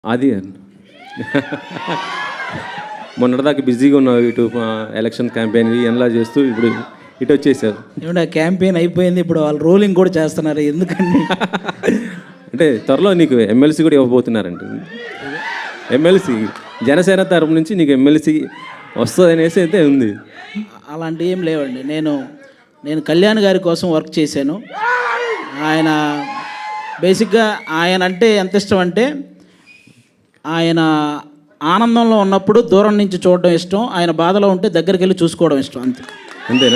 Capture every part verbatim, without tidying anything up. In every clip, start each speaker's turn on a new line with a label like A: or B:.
A: అది మొన్నటిదాకా బిజీగా ఉన్నావు, ఇటు ఎలక్షన్ క్యాంపెయిన్ ఎలా చేస్తూ ఇప్పుడు ఇటు వచ్చేసారు.
B: ఏమంటే క్యాంపెయిన్ అయిపోయింది, ఇప్పుడు వాళ్ళు రోలింగ్ కూడా చేస్తున్నారు. ఎందుకండి
A: అంటే త్వరలో నీకు ఎమ్మెల్సీ కూడా ఇవ్వబోతున్నారంట. ఎమ్మెల్సీ జనసేన తరపు నుంచి నీకు ఎమ్మెల్సీ వస్తుంది అనేసి అయితే ఉంది.
B: అలాంటివి ఏం లేవండి. నేను నేను కళ్యాణ్ గారి కోసం వర్క్ చేశాను. ఆయన బేసిక్గా ఆయన అంటే ఎంత ఇష్టం అంటే, ఆయన ఆనందంలో ఉన్నప్పుడు దూరం నుంచి చూడడం ఇష్టం, ఆయన బాధలో ఉంటే దగ్గరికి వెళ్ళి చూసుకోవడం ఇష్టం, అంతే.
A: అంతేనా?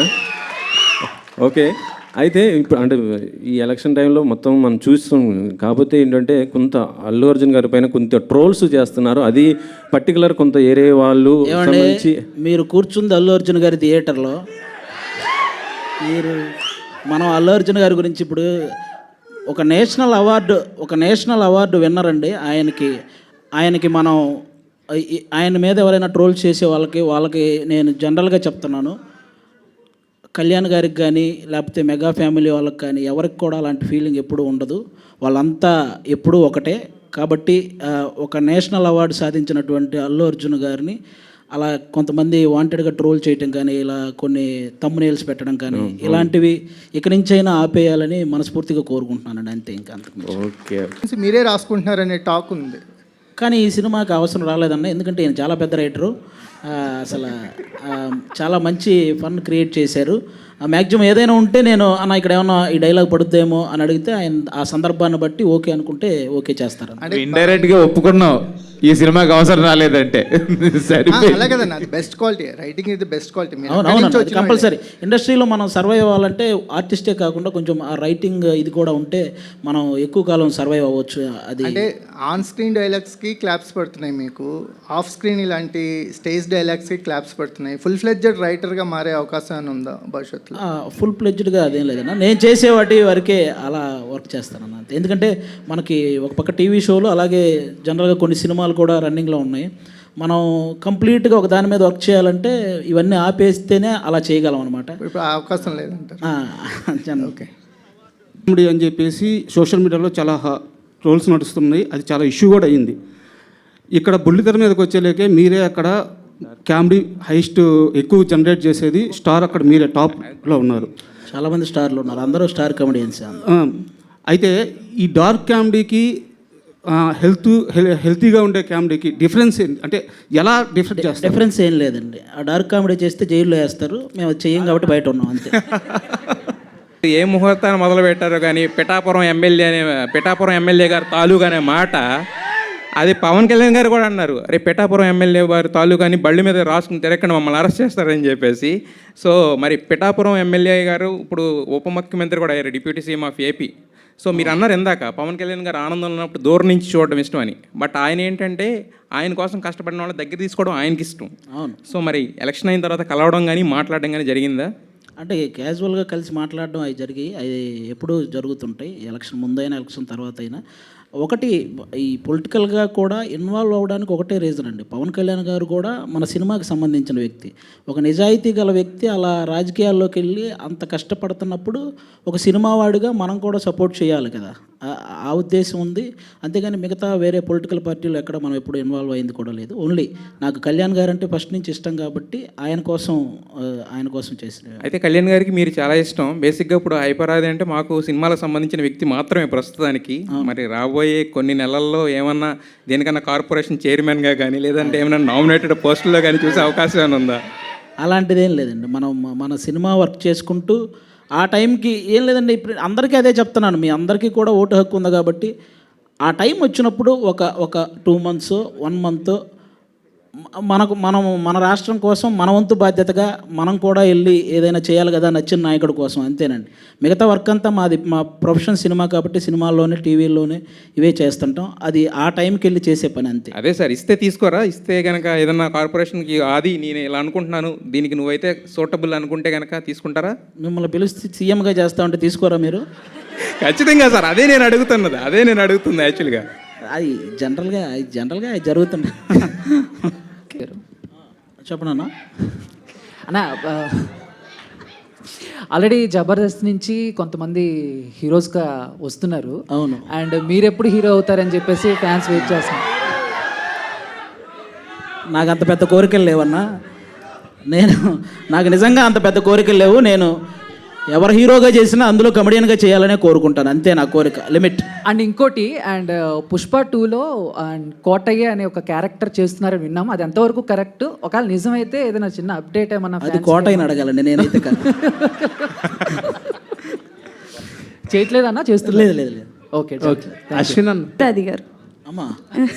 A: ఓకే. అయితే ఇప్పుడు అంటే ఈ ఎలక్షన్ టైంలో మొత్తం మనం చూస్తాం. కాకపోతే ఏంటంటే కొంత అల్లు అర్జున్ గారి పైన కొంత ట్రోల్స్ చేస్తున్నారు. అది పర్టికులర్ కొంత ఏరే వాళ్ళు సంబంధించి.
B: మీరు కూర్చుంది అల్లు అర్జున్ గారి థియేటర్లో, మీరు మనం అల్లు అర్జున్ గారి గురించి ఇప్పుడు ఒక నేషనల్ అవార్డు ఒక నేషనల్ అవార్డు విన్నర్ అండి. ఆయనకి ఆయనకి మనం ఆయన మీద ఎవరైనా ట్రోల్ చేసే వాళ్ళకి వాళ్ళకి నేను జనరల్గా చెప్తున్నాను, కళ్యాణ్ గారికి కానీ లేకపోతే మెగా ఫ్యామిలీ వాళ్ళకి కానీ ఎవరికి కూడా అలాంటి ఫీలింగ్ ఎప్పుడూ ఉండదు. వాళ్ళంతా ఎప్పుడూ ఒకటే. కాబట్టి ఒక నేషనల్ అవార్డు సాధించినటువంటి అల్లు అర్జున్ గారిని అలా కొంతమంది వాంటెడ్గా ట్రోల్ చేయటం కానీ, ఇలా కొన్ని తమ్మునేల్స్ పెట్టడం కానీ, ఇలాంటివి ఇక నుంచైనా ఆపేయాలని మనస్ఫూర్తిగా కోరుకుంటున్నానండి, అంతే. ఇంకా అంతకు
A: ఓకే.
C: మీరే రాసుకుంటున్నారనే టాక్ ఉంది,
B: కానీ ఈ సినిమాకి అవసరం రాలేదన్న. ఎందుకంటే ఈయన చాలా పెద్ద రైటరు, అసలు చాలా మంచి ఫన్ క్రియేట్ చేశారు. మ్యాక్సిమం ఏదైనా ఉంటే నేను అన్న ఇక్కడ ఏమన్నా ఈ డైలాగ్ పడుద్దేమో అని అడిగితే ఆయన ఆ సందర్భాన్ని బట్టి ఓకే అనుకుంటే ఓకే చేస్తారు.
D: అంటే ఇండైరెక్ట్గా ఒప్పుకున్నావు ఈ సినిమాకి అవసరం రాలేదంటే.
C: అలా కదన్నా, అది బెస్ట్ క్వాలిటీ. రైటింగ్ ఇది బెస్ట్ క్వాలిటీ.
B: అవునవును, కంపల్సరీ. ఇండస్ట్రీలో మనం సర్వైవ్ అవ్వాలంటే ఆర్టిస్టే కాకుండా కొంచెం ఆ రైటింగ్ ఇది కూడా ఉంటే మనం ఎక్కువ కాలం సర్వైవ్ అవ్వచ్చు. అది
C: అంటే ఆన్ స్క్రీన్ డైలాగ్స్కి క్లాప్స్ పడుతున్నాయి మీకు, ఆఫ్ స్క్రీన్ ఇలాంటి స్టేజ్ డైలాగ్స్కి క్లాప్స్ పడుతున్నాయి. ఫుల్ ఫ్లెడ్జెడ్ రైటర్గా మారే అవకాశం ఉందా భవిష్యత్తులో?
B: ఫుల్ ఫ్లెడ్జ్డ్గా అదేం లేదన్నా, నేను చేసే వాటి వరకే అలా వర్క్ చేస్తానన్న, అంతే. ఎందుకంటే మనకి ఒక పక్క టీవీ షోలు, అలాగే జనరల్గా కొన్ని సినిమాలు కూడా రన్నింగ్లో ఉన్నాయి. మనం కంప్లీట్గా ఒక దాని మీద వర్క్ చేయాలంటే ఇవన్నీ ఆపేస్తేనే అలా చేయగలం అనమాట.
C: ఇప్పుడు అవకాశం లేదంటారు.
B: ఓకే.
E: కామెడీ అని చెప్పేసి సోషల్ మీడియాలో చాలా ట్రోల్స్ నడుస్తున్నాయి, అది చాలా ఇష్యూ కూడా అయ్యింది. ఇక్కడ బుల్లితెర మీదకి వచ్చేలేకే మీరే అక్కడ కామెడీ హైస్ట్ ఎక్కువ జనరేట్ చేసేది స్టార్, అక్కడ మీరే టాప్లో ఉన్నారు.
B: చాలామంది స్టార్లు ఉన్నారు, అందరూ స్టార్ కామెడియన్స్.
E: అయితే ఈ డార్క్ కామెడీకి హెల్త్ హెల్తీగా ఉండే కామెడీకి డిఫరెన్స్ ఏంటి? అంటే ఎలా డిఫరెంట్ చేస్తారు?
B: డిఫరెన్స్ ఏం లేదండి. ఆ డార్క్ కామెడీ చేస్తే జైల్లో వేస్తారు, మేము చెయ్యం కాబట్టి బయట ఉన్నాం, అంతే.
F: ఏ ముహూర్తాన్ని మొదలు పెట్టారో కానీ పిఠాపురం ఎమ్మెల్యే అనే పిఠాపురం ఎమ్మెల్యే గారు తాలూకా అనే మాట, అది పవన్ కళ్యాణ్ గారు కూడా అన్నారు, అరే పిఠాపురం ఎమ్మెల్యే వారి తాలూకాని బళ్ళు మీద రాసుకుని తిరగకుండా మమ్మల్ని అరెస్ట్ చేస్తారని చెప్పేసి. సో మరి పిఠాపురం ఎమ్మెల్యే గారు ఇప్పుడు ఉప ముఖ్యమంత్రి కూడా అయ్యారు, deputy CM of AP. So మీరు అన్నారు ఇందాక పవన్ కళ్యాణ్ గారు ఆనందంలో ఉన్నప్పుడు దూరం నుంచి చూడడం ఇష్టం అని. బట్ ఆయన ఏంటంటే ఆయన కోసం కష్టపడిన వాళ్ళ దగ్గర తీసుకోవడం ఆయనకి ఇష్టం.
B: అవును. సో
F: మరి ఎలక్షన్ అయిన తర్వాత కలవడం కానీ మాట్లాడడం కానీ జరిగిందా?
B: అంటే క్యాజువల్గా కలిసి మాట్లాడడం అవి జరిగి అవి ఎప్పుడూ జరుగుతుంటాయి, ఎలక్షన్ ముందైనా ఎలక్షన్ తర్వాత అయినా. ఒకటి ఈ పొలిటికల్గా కూడా ఇన్వాల్వ్ అవ్వడానికి ఒకటే రీజన్ అండి. పవన్ కళ్యాణ్ గారు కూడా మన సినిమాకి సంబంధించిన వ్యక్తి, ఒక నిజాయితీ గల వ్యక్తి. అలా రాజకీయాల్లోకి వెళ్ళి అంత కష్టపడుతున్నప్పుడు ఒక సినిమా వాడిగా మనం కూడా సపోర్ట్ చేయాలి కదా, ఆ ఉద్దేశం ఉంది. అంతేగాని మిగతా వేరే పొలిటికల్ పార్టీలు ఎక్కడ మనం ఎప్పుడు ఇన్వాల్వ్ అయింది కూడా లేదు. ఓన్లీ నాకు కళ్యాణ్ గారు అంటే ఫస్ట్ నుంచి ఇష్టం కాబట్టి ఆయన కోసం ఆయన కోసం చేసిన.
F: అయితే కళ్యాణ్ గారికి మీరు చాలా ఇష్టం. బేసిక్గా ఇప్పుడు హైపరాది అంటే మాకు సినిమాలకు సంబంధించిన వ్యక్తి మాత్రమే ప్రస్తుతానికి. మరి రాబోయే కొన్ని నెలల్లో ఏమన్నా దేనికన్నా కార్పొరేషన్ చైర్మన్గా కానీ లేదంటే ఏమైనా నామినేటెడ్ పోస్టుల్లో కానీ చూసే అవకాశం ఏమైనా ఉందా?
B: అలాంటిదేం లేదండి. మనం మన సినిమా వర్క్ చేసుకుంటూ ఆ టైంకి ఏం లేదండి. ఇప్పుడు అందరికీ అదే చెప్తున్నాను, మీ అందరికీ కూడా ఓటు హక్కు ఉంది కాబట్టి ఆ టైం వచ్చినప్పుడు ఒక ఒక టూ మంత్స్ వన్ మంత్ మనకు మనం మన రాష్ట్రం కోసం మన వంతు బాధ్యతగా మనం కూడా వెళ్ళి ఏదైనా చేయాలి కదా నచ్చిన నాయకుడి కోసం, అంతేనండి. మిగతా వర్క్ అంతా మాది మా ప్రొఫెషన్ సినిమా కాబట్టి సినిమాల్లోనే టీవీల్లోనే ఇవే చేస్తుంటాం. అది ఆ టైంకి వెళ్ళి చేసే పని, అంతే.
F: అదే సార్, ఇస్తే తీసుకోరా? ఇస్తే కనుక ఏదన్నా కార్పొరేషన్కి అది నేను ఇలా అనుకుంటున్నాను, దీనికి నువ్వైతే సూటబుల్ అనుకుంటే కనుక తీసుకుంటారా?
B: మిమ్మల్ని పిలిచి సీఎంగా చేస్తా ఉంటే తీసుకోరా మీరు?
F: ఖచ్చితంగా సార్, అదే నేను అడుగుతున్నది, అదే నేను అడుగుతుంది యాక్చువల్గా.
B: అది జనరల్గా జనరల్గా అది జరుగుతుంది. చెప్పనన్నా
G: అన్న, ఆల్రెడీ జబర్దస్త్ నుంచి కొంతమంది హీరోస్గా వస్తున్నారు.
B: అవును.
G: అండ్ మీరు ఎప్పుడు హీరో అవుతారని చెప్పేసి ఫ్యాన్స్ వెయిట్ చేస్తున్నారు.
B: నాకు అంత పెద్ద కోరికలు లేవన్నా. నేను నాకు నిజంగా అంత పెద్ద కోరికలు లేవు. నేను ఎవరు హీరోగా చేసినా అందులో కమెడియన్గా చేయాలనే కోరుకుంటాను, అంతే నా కోరిక, లిమిట్.
G: అండ్ ఇంకోటి అండ్ పుష్ప టూలో అండ్ కోటయ్య అనే ఒక క్యారెక్టర్ చేస్తున్నారని విన్నాము. అది ఎంతవరకు కరెక్ట్? ఒకవేళ నిజమైతే ఏదైనా చిన్న అప్డేట్ ఏమన్నా
B: అది కోటయ్యని అడగాలండి, నేనైతే కాదు.
G: చేయట్లేదన్నా? చేస్తులేదు.
B: లేదు లేదు లేదు.
G: Okay okay.
E: అశ్విన్ అన్న
H: అది గారు
B: అమ్మా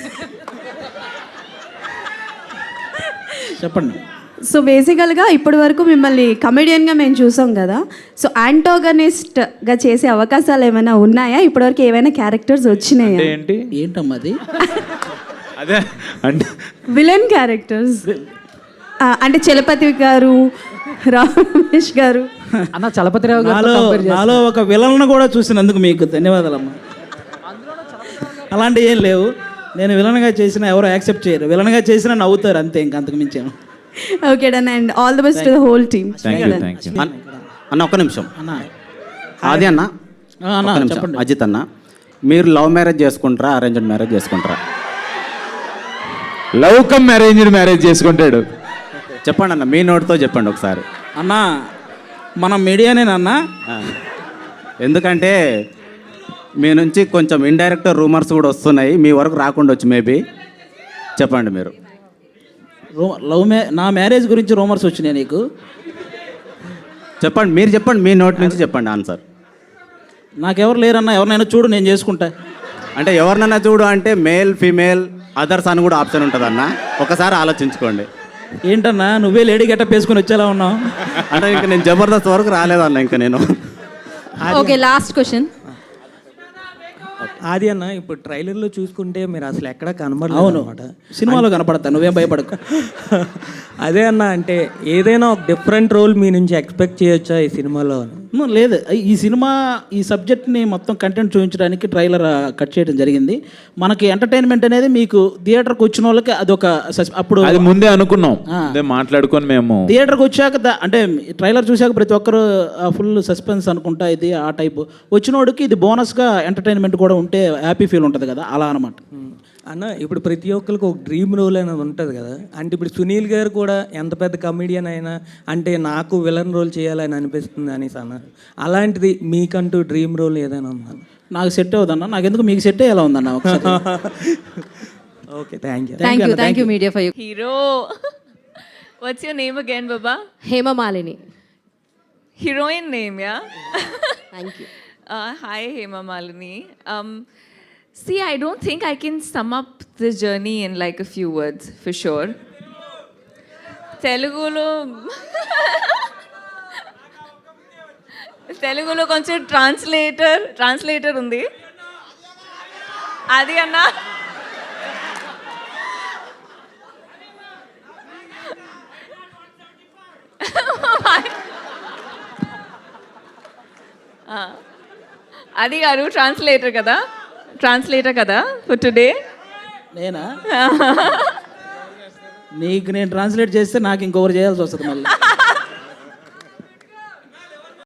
B: చెప్పండి.
H: సో బేసికల్గా ఇప్పటి వరకు మిమ్మల్ని కమెడియన్గా మేము చూసాం కదా, సో యాంటోగనిస్ట్గా చేసే అవకాశాలు ఏమైనా ఉన్నాయా? ఇప్పటివరకు ఏమైనా క్యారెక్టర్స్ వచ్చినాయా?
D: ఏంటి
B: ఏంటమ్మా అది?
D: అదే అంటే
H: విలన్ క్యారెక్టర్స్ అంటే చలపతి గారు, రామ్ రమేష్ గారు.
G: అన్న చలపతిరావు
B: నాలో
G: గారు
B: నాలో ఒక విలన్ను కూడా చూసినందుకు మీకు ధన్యవాదాలమ్మా. అలాంటివి ఏం లేవు. నేను విలన్గా చేసినా ఎవరు యాక్సెప్ట్ చేయరు, విలన్గా చేసినా నవ్వుతారు, అంతే, ఇంక అంతకు మించాను.
H: Okay done, and all the best to the whole team.
D: Thank you thank you
I: అన్న ఒక్క నిమిషం.
B: అన్న
I: ఆది అన్న
B: ఆ, అన్న
I: ఒక్క నిమిషం.
B: చెప్పండి.
I: అజిత్ అన్న, మీరు లవ్ మ్యారేజ్ చేసుకుంటారా, అరేంజ్డ్ మ్యారేజ్ చేసుకుంటారా?
D: లవ్ కమ్ అరేంజ్డ్ మ్యారేజ్ చేసుకుంటాడు.
I: చెప్పండి అన్న, మీ నోటితో చెప్పండి ఒకసారి.
B: అన్న మనం మీడియానేనన్నా.
I: ఆ. ఎందుకంటే మీ నుంచి కొంచెం ఇండైరెక్ట్ రూమర్స్ కూడా వస్తున్నాయి, మీ వరకు రాకుండా వచ్చి మేబీ చెప్పండి మీరు.
B: రూ లవ్ మ్యా నా మ్యారేజ్ గురించి రూమర్స్ వచ్చినాయి నీకు?
I: చెప్పండి, మీరు చెప్పండి, మీ నోటి నుంచి చెప్పండి ఆన్సర్.
B: నాకెవరు లేరన్నా, ఎవరినైనా చూడు, నేను చేసుకుంటా.
I: అంటే ఎవరినైనా చూడు అంటే మేల్ ఫీమేల్ అదర్స్ అని కూడా ఆప్షన్ ఉంటుంది అన్న, ఒకసారి ఆలోచించుకోండి.
B: ఏంటన్నా నువ్వే లేడీ గెటప్ వేసుకుని వచ్చేలా ఉన్నావు?
I: అంటే ఇంకా నేను జబర్దస్త్ వరకు రాలేదన్న ఇంకా నేను.
H: Okay last question.
J: ఆది అన్న, ఇప్పుడు ట్రైలర్లో చూసుకుంటే మీరు అసలు ఎక్కడ కనబడలేదు
B: అవును,
J: అనమాట.
B: సినిమాలో కనపడతా, నువ్వేం భయపడకు.
J: అదే అన్న, అంటే ఏదైనా ఒక డిఫరెంట్ రోల్ మీ నుంచి ఎక్స్పెక్ట్ చేయొచ్చా ఈ సినిమాలో?
B: ను, లేదు, ఈ సినిమా ఈ సబ్జెక్ట్ని మొత్తం కంటెంట్ చూపించడానికి ట్రైలర్ కట్ చేయడం జరిగింది. మనకి ఎంటర్టైన్మెంట్ అనేది మీకు థియేటర్కి వచ్చిన వాళ్ళకి అదొక సస్- అప్పుడు
D: అది ముందే అనుకున్నాం, అదే మాట్లాడుకొని మేము
B: థియేటర్కి వచ్చాక ద- అంటే ట్రైలర్ చూశాక ప్రతి ఒక్కరు ఫుల్ సస్పెన్స్ అనుకుంటా ఇది ఆ టైపు వచ్చినోడికి ఇది బోనస్గా ఎంటర్టైన్మెంట్ కూడా ఉంటే హ్యాపీ ఫీల్ ఉంటుంది కదా, అలా అనమాట.
J: అన్న, ఇప్పుడు ప్రతి ఒక్కరికి ఒక డ్రీమ్ రోల్ అనేది ఉంటుంది కదా, అంటే ఇప్పుడు సునీల్ గారు కూడా ఎంత పెద్ద కమెడియన్ అయినా అంటే నాకు విలన్ రోల్ చేయాలని అనిపిస్తుంది అనేసి అన్నారు. అలాంటిది మీకంటూ డ్రీమ్ రోల్ ఏదైనా ఉందా?
B: నాకు సెట్ అవుదన్నా, నాకెందుకు మీకు సెట్ అయ్యేలా ఉందన్న ఒకసారి.
J: Okay, thank you.
H: Thank you thank you media for you.
K: Hero. What's your name again, Baba?
H: Hema Malini.
K: Heroine name, yeah?
H: Thank you.
K: Uh, hi, Hema Malini. Um, see, I don't think I can sum up this journey in like a few words, for sure. Telugulo... తెలుగులో కొంచెం translator translator ఉంది అది అన్నా. అది గారు translator కదా, translator కదా for today.
B: నేనా? నీకు నేను ట్రాన్స్లేట్ చేస్తే నాకు ఇంకొకరు చేయాల్సి వస్తుంది మళ్ళీ.